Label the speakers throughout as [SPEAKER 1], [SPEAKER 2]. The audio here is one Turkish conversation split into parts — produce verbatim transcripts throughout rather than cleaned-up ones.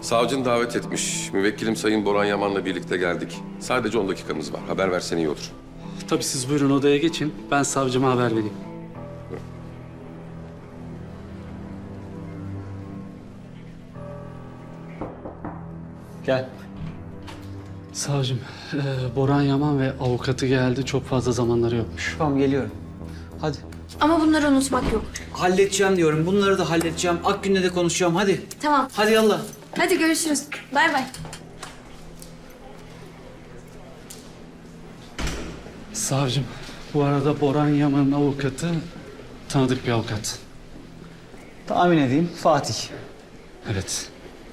[SPEAKER 1] Savcın davet etmiş. Müvekkilim Sayın Boran Yaman'la birlikte geldik. Sadece on dakikamız var. Haber versen iyi olur.
[SPEAKER 2] Tabii siz buyurun odaya geçin. Ben savcıma haber vereyim.
[SPEAKER 3] Gel.
[SPEAKER 2] Savcım, e, Boran Yaman ve avukatı geldi. Çok fazla zamanları yokmuş.
[SPEAKER 3] Tamam geliyorum. Hadi.
[SPEAKER 4] Ama bunları unutmak yok.
[SPEAKER 3] Halledeceğim diyorum. Bunları da halledeceğim. Akgün'le de konuşacağım. Hadi.
[SPEAKER 4] Tamam.
[SPEAKER 3] Hadi yallah.
[SPEAKER 4] Hadi görüşürüz. Bay bay.
[SPEAKER 2] Savcım, bu arada Boran Yaman'ın avukatı tanıdık bir avukat.
[SPEAKER 3] Tahmin edeyim. Fatih.
[SPEAKER 2] Evet.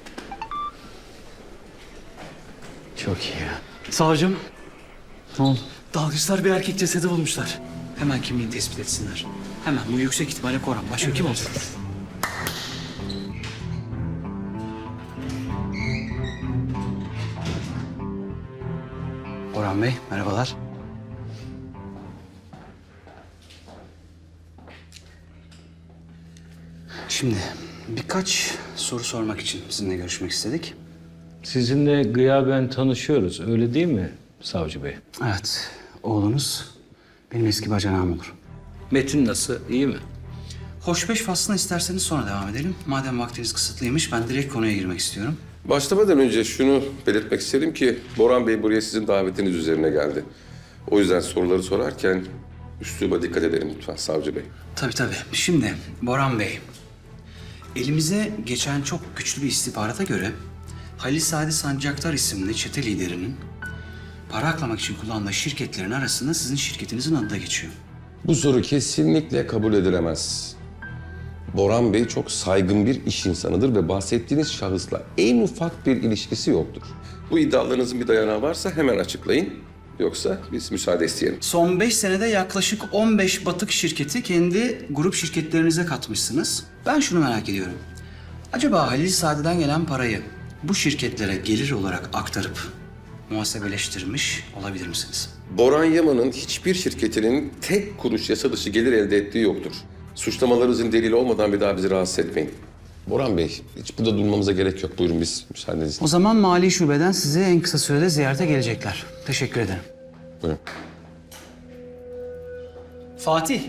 [SPEAKER 3] Çok iyi ya.
[SPEAKER 2] Savcım,
[SPEAKER 3] Ne oldu?
[SPEAKER 2] dalgıçlar bir erkek cesedi bulmuşlar.
[SPEAKER 3] Hemen kimliğini tespit etsinler. Hemen. Bu yüksek ihtimalle Koran. Başka kim olacak? Orhan Bey, merhabalar. Şimdi birkaç soru sormak için sizinle görüşmek istedik.
[SPEAKER 5] Sizinle gıyaben tanışıyoruz, öyle değil mi savcı bey?
[SPEAKER 3] Evet, oğlunuz benim eski bacanağım olur.
[SPEAKER 5] Metin nasıl, iyi mi?
[SPEAKER 3] Hoşbeş faslına isterseniz sonra devam edelim. Madem vaktiniz kısıtlıymış, ben direkt konuya girmek istiyorum.
[SPEAKER 1] Başlamadan önce şunu belirtmek isterim ki Boran Bey buraya sizin davetiniz üzerine geldi. O yüzden soruları sorarken üsluba dikkat edelim lütfen Savcı Bey.
[SPEAKER 3] Tabii tabii. Şimdi Boran Bey, elimize geçen çok güçlü bir istihbarata göre Halil Sadi Sancaktar isimli çete liderinin para aklamak için kullandığı şirketlerin arasında sizin şirketinizin adı da geçiyor.
[SPEAKER 1] Bu soru kesinlikle kabul edilemez. Boran Bey çok saygın bir iş insanıdır ve bahsettiğiniz şahısla en ufak bir ilişkisi yoktur. Bu iddialarınızın bir dayanağı varsa hemen açıklayın. Yoksa biz müsaade isteyelim.
[SPEAKER 3] Son beş senede yaklaşık on beş batık şirketi kendi grup şirketlerinize katmışsınız. Ben şunu merak ediyorum. Acaba Halil Sadi'den gelen parayı bu şirketlere gelir olarak aktarıp muhasebeleştirmiş olabilir misiniz?
[SPEAKER 1] Boran Yaman'ın hiçbir şirketinin tek kuruş yasa dışı gelir elde ettiği yoktur. Suçlamalarınızın delili olmadan bir daha bizi rahatsız etmeyin. Boran Bey, hiç burada durmamıza gerek yok. Buyurun biz müsaadenizle.
[SPEAKER 3] O zaman mali şubeden size en kısa sürede ziyarete gelecekler. Teşekkür ederim.
[SPEAKER 1] Buyurun.
[SPEAKER 3] Fatih.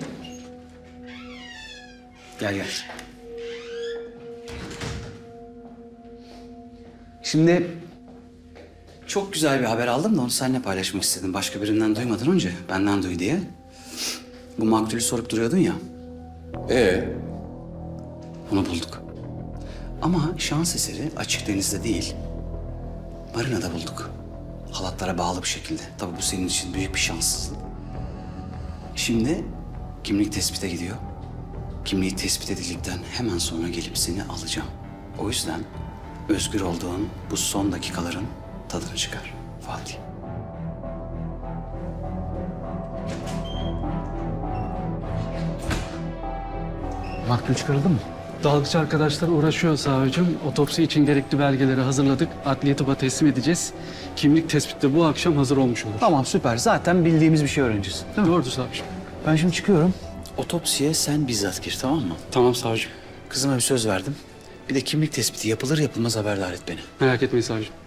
[SPEAKER 3] Gel gel. Şimdi çok güzel bir haber aldım da onu seninle paylaşmak istedim. Başka birinden duymadan önce benden duy diye. Bu maktulü sorup duruyordun ya.
[SPEAKER 1] Ee,
[SPEAKER 3] Onu bulduk. Ama şans eseri açık denizde değil, marinada bulduk. Halatlara bağlı bir şekilde. Tabii bu senin için büyük bir şanssızlık. Şimdi kimlik tespite gidiyor. Kimliği tespit edildikten hemen sonra gelip seni alacağım. O yüzden özgür olduğun bu son dakikaların tadını çıkar Fatih. Maktul çıkarıldı mı?
[SPEAKER 2] Dalgıç arkadaşlar uğraşıyor savcım. Otopsi için gerekli belgeleri hazırladık. Adliye tıba teslim edeceğiz. Kimlik tespiti de bu akşam hazır olmuş olur.
[SPEAKER 3] Tamam süper. Zaten bildiğimiz bir şey öğreneceğiz. Değil mi?
[SPEAKER 2] Doğru savcım.
[SPEAKER 3] Ben şimdi çıkıyorum. Otopsiye sen bizzat gir, tamam mı?
[SPEAKER 2] Tamam savcım.
[SPEAKER 3] Kızıma bir söz verdim. Bir de kimlik tespiti yapılır yapılmaz haberdar et beni.
[SPEAKER 2] Merak etmeyin savcım.